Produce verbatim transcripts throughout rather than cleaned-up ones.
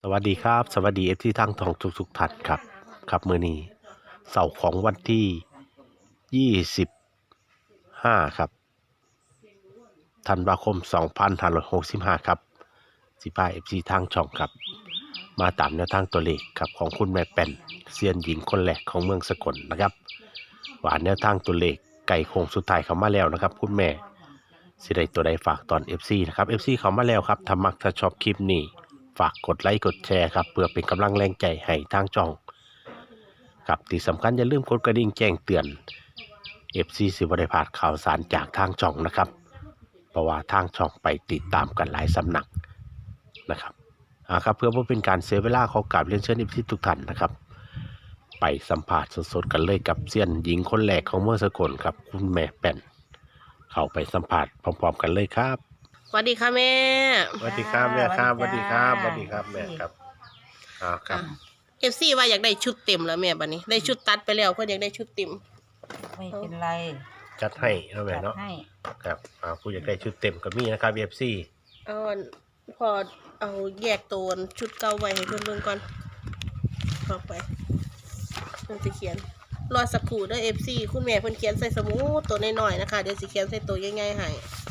วัสดีครับสวัสดีเอฟที่ทั้งทองทุกทุกท่านครับครับมื้อนี้เสาร์ของวันที่ยี่สิบห้าครับธันวาคมสองพันห้าร้อยหกสิบห้าครับสิพาเอฟซีทางช่องครับมาตามแนวทางตัวเลขครับของคุณแม่แป่นเซียนหญิงคนแรกของเมืองสกลนะครับว่าแนวทางตัวเลขไก่โค้งสุดท้ายเข้ามาแล้วนะครับคุณแม่สิได้ตัวใดฝากตอน เอฟ ซี นะครับ เอฟ ซี เข้ามาแล้วครับถ้ามักถ้าชอบคลิปนี้ฝากกดไลค์กดแชร์ครับเพื่อเป็นกำลังแรงใจให้ทางช่องครับที่สำคัญอย่าลืมกดกระดิ่งแจ้งเตือน เอฟ ซี สิบ่ได้พลาดข่าวสารจากทางช่องนะครับเพราะว่าทางช่องไปติดตามกันหลายสำนักนะครับอ่าครับเพื่อบ่เป็นการเสียเวลาขอกราบเรียนเชิญ เอฟ ซี ทุกท่านนะครับไปสัมภาษณ์สดๆกันเลยกับเซียนหญิงคนแรกของเมืองสกลครับคุณแม่แป่นเข้าไปสัมภาษณ์พร้อมๆกันเลยครับสวัสดีค่ะแม่สวัสดีครับแม่ครับสสวัวัสสดีดีคจ้ารับสวัสดีครับแม่ครับอ่าครับเอฟซีว่าอยากได้ชุดเต็มแล้วแม่บัดนี้ได้ชุดตัดไปแล้วเพื่อนอยากได้ชุดเต็มไม่เป็นไรจัดให้นะแม่จัดเนาะให้ครับอ่าผู้อยากได้ชุดเต็มก็มีนะครับ เอฟ ซีเอาอันพอเอาแยกตัวชุดเก่าไว้ให้เพื่อนเบิ่งก่อนเข้าไปเพื่อนสิเขียนรอสักครู่เด้อเอฟซีคุณแม่เพิ่นเขียนใส่สมุดตัวน้อยๆนะคะเดี๋ยวสิเขียนใส่ตัวใหญ่ๆให้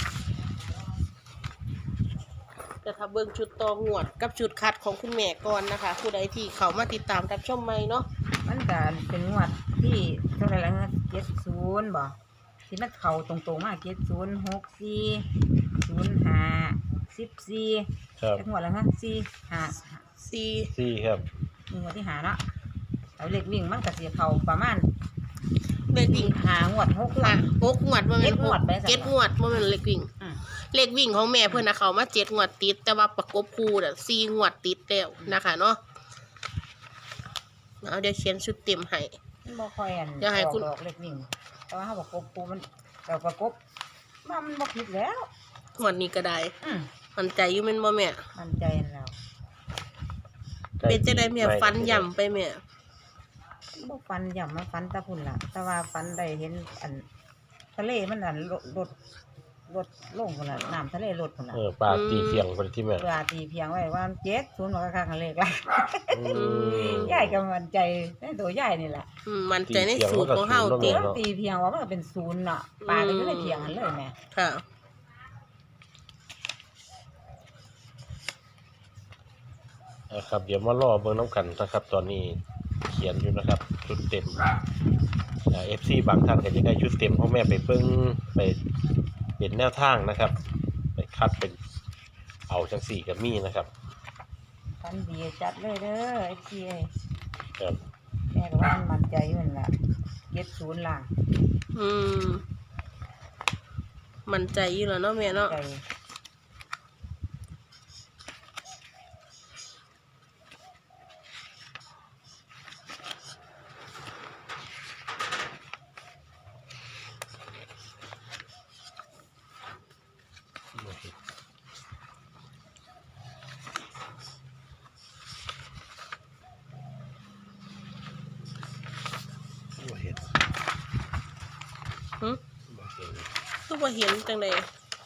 แต่ถ้าเบิ่งชุดต่องวดกับชุดคัดของคุณแม่ก่อนนะคะผู้ใดที่เขามาติดตามรับชมใหม่เนาะมันก็เป็นงวดที่เท่าไหรแล้วนะเจ็ดศูนย์บ่ที่มันเข่าตรงๆมากเจ็ดศูนย์หกสี่ศูนย์ห้าสิบสี่ครับงวดแล้วฮะสี่ห้าสี่ซี่ครับงวดที่หาเนาะเอาเล็กวิ่งมันก็เสียเข่าประมาณเลขวิ่งหางวดหกงวค่ะดหกงวดบ่แม่นเจ็ดงวดไปซะเจ็ดงวดบ่แม่นเลขวิ่งอืมเลขวิ่งของแม่เพื่อนนะเขามาเจ็ดงวดติดแต่ว่าประกบคู่น่ะสี่งวดติดแล้วนะคะเนาะเอาเดี๋ยวเขียนชุดเต็มให้มันบ่ค่อยอันเดี๋ยวให้คุณออกดอกเล็กวิ่งแต่ว่าเขาบอกกบปูมันเราประกบมันมันบ่ผิดแล้วงวดนี้ก็ได้อืมมันใจอยู่แม่นบ่แม่มันใจแล้วเป็นจะได้แม่ฟันย่ำไปแม่บ่ฟันย่ำมาฟันตะพุ่นล่ะ แต่ว่าฟันได้เห็นอันทะเลมันอันลดลดลดลงพุ่นล่ะน้ำทะเลลดพุ่นล่ะเออปลาตีเสียงคนที่แม่เวลาตีเพียงไว้ว่าเจ็ดศูนย์มันก็ค่ากันเลขละอืมยายก็มันใจในตัวยายนี่แหละอืมมันใจในสูตรของเฮาตีติเสีเดี๋ยยวงมันตีเพียงว่ามันก็เป็นศูนย์เนาะปลาก็อยู่ในเพียงนั้นเลยแม่ค่ะนะครับเดี๋ยวมารอเบิ่งน้ำกันนะครับ ตอนนี้เขียนอยู่นะครับ ชุดเต็มเอฟซีบางท่านก็จะได้ชุดเต็มของแม่ไปเบิ่งไปเป็นแนวทางนะครับ ไปคัดเป็นเอาจังสี่กับมีนะครับฟันดีจัดเลยเด้อไอ้พี่เอ้ยครับแม่ก็ว่ามันใจอยู่นั่นล่ะเจ็ดศูนย์ล่ะอืมมันใจอยู่แล้วเนาะแม่เนาะใจบ่เห็นหึบ่เห็นคือบ่เห็นจังได๋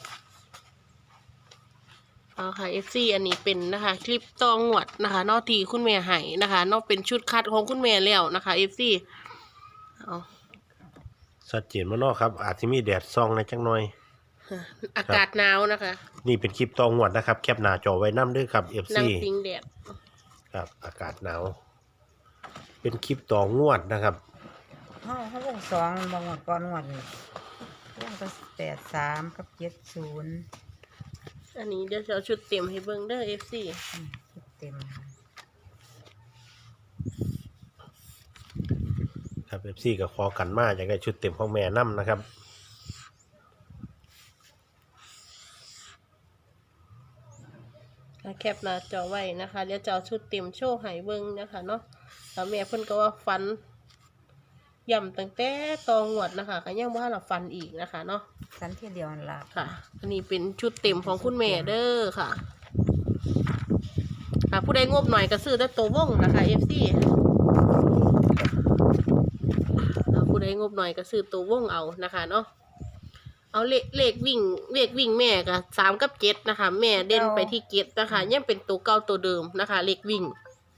เอาค่ะ เอฟ ซี อันนี้เป็นนะคะ คลิปตองงวดนะคะเนอกที่คุณแม่ให้นะคะเนอกเป็นชุดคัดของคุณแม่แล้วนะคะ เอฟ ซี เอาชัดเจนมาเนาะครับ อาจจะมีแดดส่องในจังหน่อยอากาศหนาวนะคะนี่เป็นคลิปตองหวดนะครับ แคปหน้าจอไว้น้ำด้วยครับนั่งเอฟ ซีพิงแดดครับ อากาศหนาว เป็นคลิปตองงวดนะครับเขาเขาวงสองบางวันก่อนงวดนี่วงก็แปดสามกับเจ็ดศูนย์อันนี้เดี๋ยวจะเอาชุดเต็มให้เบิ่งเด้อ เอฟ ซีคิดเต็มครับ เอฟ ซี ก็ขอกันมาอยากได้ชุดเต็มของแม่น้ำนะครับแคปหน้าจอไว้นะคะเดี๋ยวจะเอาชุดเต็มโชว์ให้เบิ่งนะคะเนาะแล้วแม่เพิ่นก็ว่าฟันย่ำตั้งแต่ตองวดนะคะก็ยังว่าเราฟันอีกนะคะเนาะสันเทียเดียวนั่นล่ะค่ะ อันนี้เป็นชุดเต็มของคุณแม่เด้อค่ะค่ะผู้ใดงบหน่อยก็ซื้อแต่ตัววงนะคะ เอฟ ซี ผู้ใดงบหน่อยก็ซื้อตัววงเอานะคะเนาะเอาเลขเลขวิ่งเลขวิ่งแม่ก็สามกับเจ็ดนะคะ แม่เด่นไปที่เจ็ดนะคะยังเป็นตัวเก่าตัวเดิมนะคะ เลขวิ่ง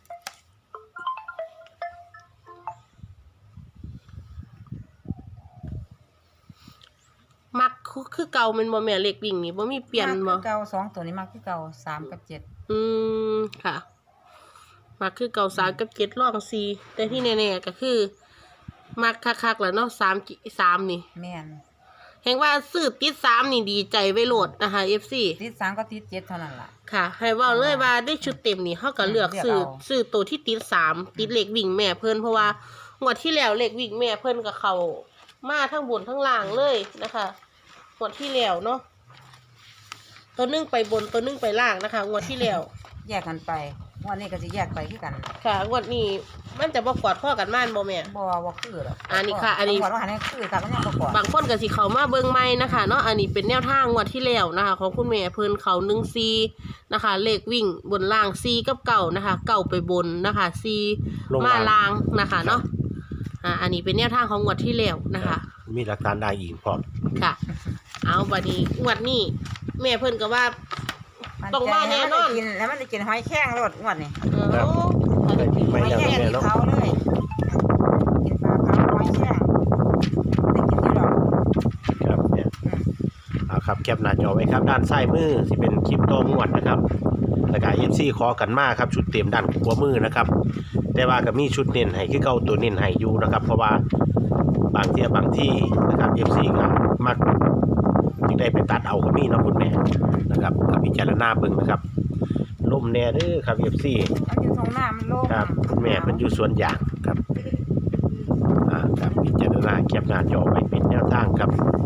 มักคือคือเก่าแมันบ่แม่เลขวิ่งนี่บ่มีเปลี่ยนมักบ่คือเก่าสองตัวนี้มักคือเก่าสามกับเจ็ดอืมค่ะมักคือเก่าสามกับเจ็ดรองสี่แต่ที่แน่ๆก็คือมักคักๆแล้วเนาะสามสามนี่แม่นแห่งว่าซื้อติดสามนี่ดีใจไว้โหลดนะคะ เอฟ ซีติดสามก็ติดเจ็ดเท่านั้นล่ะค่ะ ให้เว่าเลยว่าได้ชุดเต็มนี่เขาก็เลือกเลือกซื้อเอาซื้อตัวที่ติดสามติดเหล็กวิ่งแม่เพิ่นเพราะว่างวดที่แล้วเหล็กวิ่งแม่เพิ่นกับเขามาทั้งบนทั้งล่างเลยนะคะงวดที่แล้วเนาะตัวหนึงไปบนตัวหนึงไปล่างนะคะงวดที่แล้วแยกกันไปงวันนี้ก็จะแยกไปคือกันค่ะงวดนี้มันจะบ่กอดข้อกันม่านบ่แม่บ่บ่คือหรอกอันนี้ค่ะอันนี้ก่อนว่าหันนี้คือกันมันยังบ่ก่อนบางคนก็สิเขามาเบิ่งใหม่นะคะเนาะอันนี้เป็นแนวทางงวดที่แล้วนะคะ ของคุณแม่เพิ่นเขาหนึ่งซีนะคะ เลขวิ่งบนล่างซีกับเก่านะคะ เก่าไปบนนะคะซีลงมาล่างล่างนะคะเนาะอ่าอันนี้เป็นแนวทางของงวดที่แล้วนะคะมีหลักฐานได้อีกพร้อมค่ะ เอาบัดนี้งวดนี้แม่เพิ่นก็ว่ามันต้องมาแน่นอนจะให้มัได้กินแล้วมันได้กินหอยแครงรสงวดนี่เออครับอันนี้ไม่หอยแล้วแครงแม่นี่เนาะเขาเลยกินปลาเผาหอยแครงได้กินอยู่ดอกครับเนี่ยอืมเอาครับแคปหน้าจอไว้ครับด้านซ้ายมือที่เป็นคลิปโตงวดนะครับแล้วก็ เอฟ ซี ขอกันมาครับชุดเต็มด้านขวามือนะครับแต่ว่าก็มีชุดเน้นให้คือเก่าตัวเน้นให้อยู่นะครับเพราะว่าบางเที่ยบางที่นะครับ เอฟ ซี ก็มักจึงได้ไปตัดเอาก็มีเนาะคุณแม่นะครับก็พิจารณาเบิ่งนะครับลมแน่เด้อครับ เอฟ ซีมันอยู่ตรงหน้ามันโล่งครับคุณแม่เป็นอยู่สวนยางครับอ่าครับพิจารณาแคปหน้าจอไว้เป็นแนวทางครับ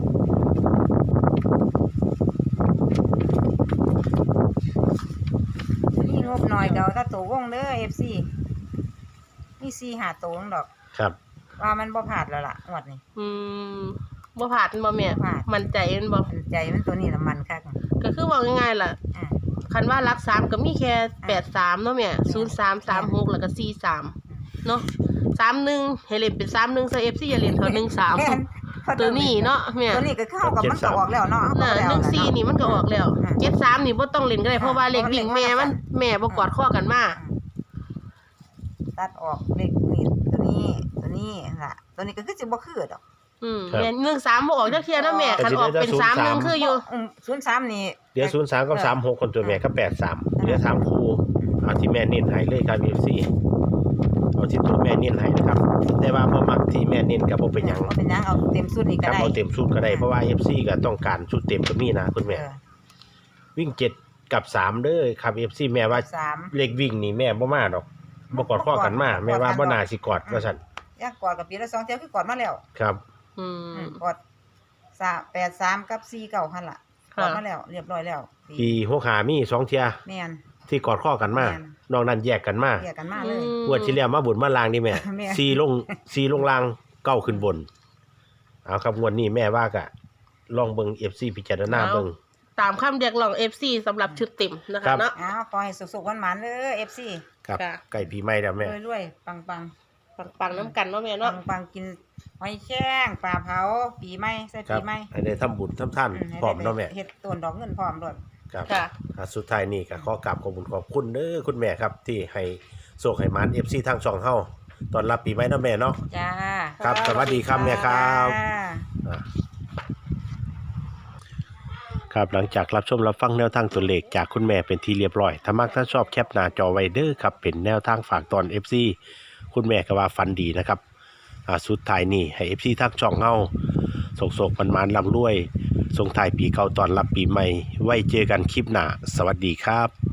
นี่งบหน่อยเดี๋ยวถ้าตัววงเด้อ เอฟ ซี นี่สี่หาตัวนึงดอกครับว่ามันบ่ผาดแล้วล่ะงวดนี้อืมบ่ผ่านบ่แม่บ่พลาดมันใจมันบ่มันใจมันตัวนี้ละมันคักก็คือว่าง่ายๆล่ะอ่าคันว่ารักสามก็มีแค่แปดสามเนาะแม่ศูนย์สามสามหกแล้วก็สี่สามเนาะสามหนึ่งให้เล่นเป็นสามหนึ่งซะเอฟซีอย่าเล่นเท่าหนึ่งสามแม่นตัวนี้เนาะแม่ตัวนี้ก็เข้ากับมันก็ออกแล้วเนาะน่ะหนึ่งสี่นี่มันก็ออกแล้วอ่าเจ็ดสามนี่บ่ต้องเล่นก็ได้เพราะว่าเลขวิ่งแม่มันแม่บ่กอดข้อกันมาตัดออกเลขนี่ตัวนี้ตัวนี้ล่ะตัวนี้ก็คือสิบ่คือดอกอืมแม่หนึ่งสามบ่ออกจักเที่ยเนาะแม่คันออกเป็นสามหนึ่งคืออยู่ศูนย์สามนี่เดี๋ยวศูนย์สามกับสามหกคนตัวแม่ก็แปดสามเดี๋ยวสามคู่เอาที่แม่เน้นให้เลยครับ เอฟ ซี เอาที่ตัวแม่เน้นให้นะครับแต่ว่าบ่มักที่แม่เน้นก็บ่เป็นหยังบ่เป็นหยังเอาเต็มสุดนี่คก็รับได้เอาเต็มชุดก็ได้เพราะว่า เอฟ ซี ก็ต้องการชุดเต็มก็มีนะคุณแม่เออวิ่งเจ็ดกับสามเด้อครับ เอฟ ซี แม่ว่าสามเลขวิ่งนี่แม่บ่มาดอกบ่กอดข้อกันมาแม่ว่าบ่น่าสิกอดว่าซั่นอยากกอดกับปีละสองเที่ยวคือกอดมาแล้วครับอืมอืมกอดสามแปดสามกับสี่เก้าหั่นล่ะกค่ะอดมาแล้ว เรียบร้อยแล้วปีหกห้ามีสองเที่ยแม่นที่กอดข้อกันมาแม่นนอกนั้นแยกกันมาเรียกกันมาเลยงวดที่แล้วมาบุญมาลางนี่แม่แม่ซีลงซีลงลางเก้าขึ้นบนเอาครับงวดนี้แม่ว่ากะลองเบิ่ง เอฟ ซี พิจารณาเบิ่งตามคำเรียกร้อง เอฟ ซี สำหรับชุดเต็มนะครัคะบเนาะอ้าวขอให้สุขๆหวานๆเด้อ เอฟ ซีครับค่ะไก่ปีใหม่แล้วแม่รวยๆปังปังๆน้ำกันเนาะแม่ๆเนาะปังๆกินหอยแครงปลาเผาปีใหม่ใส่ครัปีบใหม่ให้ได้ทำบุญทำท่านอืให้พร้อมได้เนาะแม่เฮ็ดต้นดอกเงินพร้อมโลดครับค่ะอ่ะสุดท้ายนี่ก็ขอกราบขอบคุณขอบคุณเด้อคุณแม่ครับ ที่ให้โชคให้หมาน เอฟ ซี ทางช่องเฮาตอนรับปีใหม่เนาะแม่เนาะจ้าครับสวัสดีครับแม่ครับจ้าอ่ะครับหลังจากรับชมรับฟังแนวทางตัวเลขจากคุณแม่เป็นที่เรียบร้อยถ้ามักถ้าชอบแคปหน้าจอไว้เด้อครับเป็นแนวทางฝากตอน เอฟ ซี คุณแม่ก็ว่าฟันดีนะครับอ่าสุดท้ายนี่ให้ เอฟ ซี ทางช่องเฮาโศกๆมันๆร่ำรวยส่งท้ายปีเก่าตอนรับปีใหม่ไว้เจอกันคลิปหน้าสวัสดีครับ